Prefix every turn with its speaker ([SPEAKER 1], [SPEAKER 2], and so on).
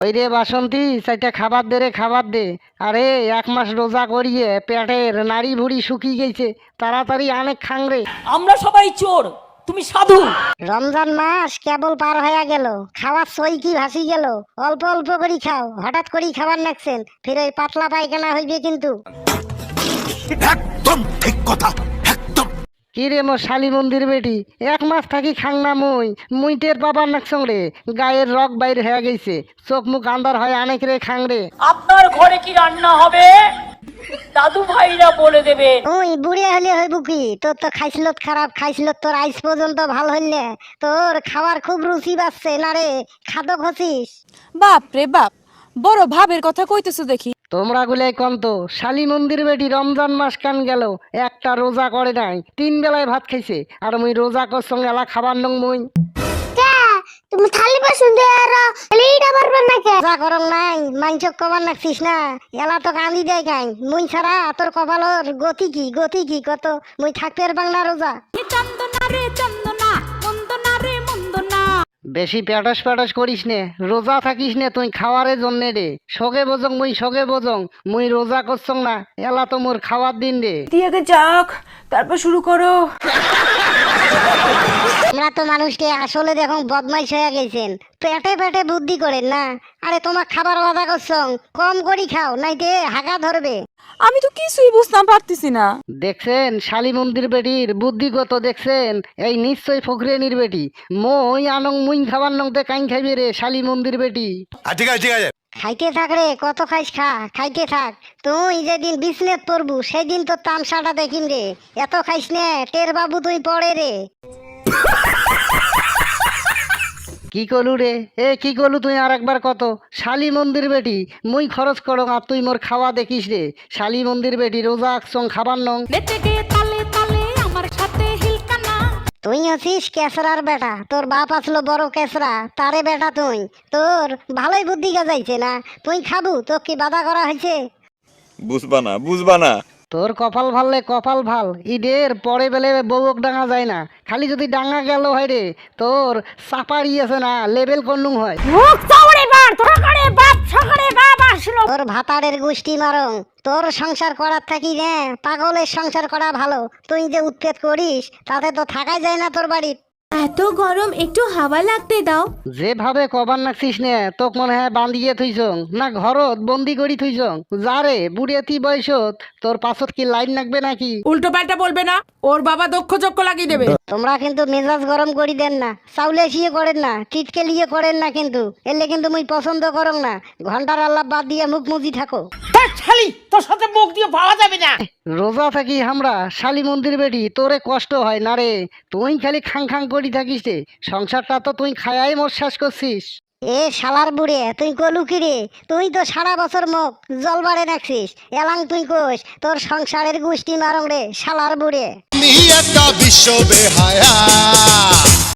[SPEAKER 1] ওই রে বাসন্তী, চাইটা খাবার দে রে, খাবার দে। আরে 1 মাস রোজা করিয়ে পেটের নাড়ি ভুড়ি শুকিয়ে গেছে, তাড়াতাড়ি অনেক খাং রে।
[SPEAKER 2] আমরা সবাই চোর, তুমি সাধু।
[SPEAKER 3] রমজান মাস কেবল পার হয়ে গেল, খাওয়ার সই কি ভাসি গেল। অল্প অল্প করে খাও, হঠাৎ করে খাবার নাকছেন, ফির ওই পাতলা পায়খানা হইবে কিন্তু।
[SPEAKER 4] একদম ঠিক কথা, একদম।
[SPEAKER 1] কি রে মোর শালি মন্দির বেটি, 1 মাস থাকি খাং না মুই টের বাবার নাকছং রে। গায়ের রক বাইর হয়ে গেছে, চোখ মুখ আন্দার হয় অনেক রে খাং রে।
[SPEAKER 2] আপনার ঘরে কি রান্না হবে দাদু ভাইরা বলে দেবে।
[SPEAKER 3] ওই বুড়ে হলে হইব কি, তোর তো খাইছিলত খারাপ, খাইছিলত তোর আইস পর্যন্ত ভাল হইলে। তোর খাবার খুব রুচি বাড়ছে না রে, খাদক হছিস।
[SPEAKER 5] বাপ রে বাপ, বড় ভাবের কথা কইতেছো দেখি।
[SPEAKER 1] তোমরা গুলাই কন্ত, শালি মন্দির বেটি রমজান মাস কান গেল, একটা রোজা করে নাই, 3 বেলায় ভাত খাইছে, আর মুই রোজা করছং এলা খাবার নং মুই।
[SPEAKER 3] তুমি থালি বাসন দে আর এইটা পারবেন না কে? যা করং নাই, মাইনচক কবার নাকছিস না, এলা তো কান্দি দেয় কাই। মুই ছাড়া তোর কপালর গতি কি কত, মুই থাকতে বাংলা রোজা।
[SPEAKER 5] চন্দনা রে চন্দনা, মন্দনা রে মন্দনা।
[SPEAKER 1] বেশি প্যাটস করিস নে, রোজা থাকিস নে তুই খাওয়ারের জন্যে রে। সগে বোঝং মুই রোজা করছং না, এলা তো মোর খাওয়ার দিন রে।
[SPEAKER 5] দিয়ে যাক, তারপর শুরু করো।
[SPEAKER 3] আমরা তো মানুষকে আসলে দেখো বদমাইশ হয়ে গেছেন, পেটে পেটে বুদ্ধি করেন না। আরে তোমার খাবার ওয়াদা করছং, কম করি খাও, নাইতে হাগা ধরবে।
[SPEAKER 5] আমি তো কিছুই বুঝতাম পারতেছি না।
[SPEAKER 1] দেখছেন শালি মন্দির বেটির বুদ্ধিগত, দেখছেন এই নিশ্চয় ফকরেনির বেটি। মই আনং মুই খাবার নং তে কাইন খাইবে রে শালি মন্দির বেটি।
[SPEAKER 4] ঠিক আছে ঠিক আছে।
[SPEAKER 3] খাইতে থাক রে, কত খাইস খা, খাইতে থাক। তুই যেদিন বিছনেত পড়বু সেদিন তোর তামসাটা দেখিম রে। এত খাইস নে, টের বাবু তুই পড়ে রে।
[SPEAKER 1] কি কলু রে, কি কলু তুই আর একবার কত। শালি মন্দির বেটি মুই খরচ করং আর তুই মোর খাওয়া দেখিস রে। শালি মন্দির বেটি রোজা আকছং খাবার নং।
[SPEAKER 5] নেচে গে তালে তালে আমার সাথে হিলকানা।
[SPEAKER 3] তুই হচ্ছিস কেসরার বেটা, তোর বাপ আসলো বড় কেসরা, তারে বেটা তুই। তোর ভালোই বুদ্ধি গাজাইছে না, তুই খাবু, তো কি বাধা করা হয়েছে?
[SPEAKER 6] বুঝবা না।
[SPEAKER 1] তোর কপাল ভাললে কপাল ভাল, ঈদের পরে বেলে বউক ডাঙা যায় না। খালি যদি ডাঙা গেল হয় রে, তোর চাপাড়ি আছে না, লেবেল কন্নুং হয়।
[SPEAKER 3] তোর ভাতারের গোষ্ঠী মারং, তোর সংসার করার থাকি রে পাগলের সংসার করা ভালো। তুই যে উৎপেত করিস, তাতে তো থাকাই যায় না তোর বাড়ির।
[SPEAKER 5] এত গরম, একটু হাওয়া লাগতে দাও।
[SPEAKER 1] যেভাবে কবার নাকছিস নে, তোক মনে হয় বান্ধিয়ে থুইছং না ঘরত বন্দি করি থুইছং। যারে বুড়িয়াতি বয়সত তোর পাছত কি লাইন নাকবে নাকি?
[SPEAKER 2] উল্টো পাল্টা বলবে না, ওর বাবা দক্ষ চক্ষ লাগিয়ে দেবে।
[SPEAKER 3] তোমরা কিন্তু মেজাজ গরম করি দেন না, চাউলে শিয়ে করেন না, টিটকে লিয়ে করেন না, কিন্তু এলে কিন্তু মুই পছন্দ করং না। ঘন্টার আল্লাহ বাদ দিয়ে মুখ মুজি থাকো।
[SPEAKER 2] শালি, তোর সাথে মুখ দিয়ে পাওয়া যাবে না।
[SPEAKER 1] রোজা থাকি আমরা শালি মন্দির বেটি, তোরে কষ্ট হয় না রে? তুই খালি খাং খাং করি থাকিস রে, সংসারটা তো তুই খায়াই মোর শেষ করছিস।
[SPEAKER 3] এ শালার বুড়ে, তুই কলু কি রে? তুই তো সারা বছর মুখ জল বাড়ে রাখছিস, এলাং তুই কোষ তোর সংসারের গোষ্ঠী মারং রে শালার বুড়ে।
[SPEAKER 4] একটা বিশ্ব বেহায়া।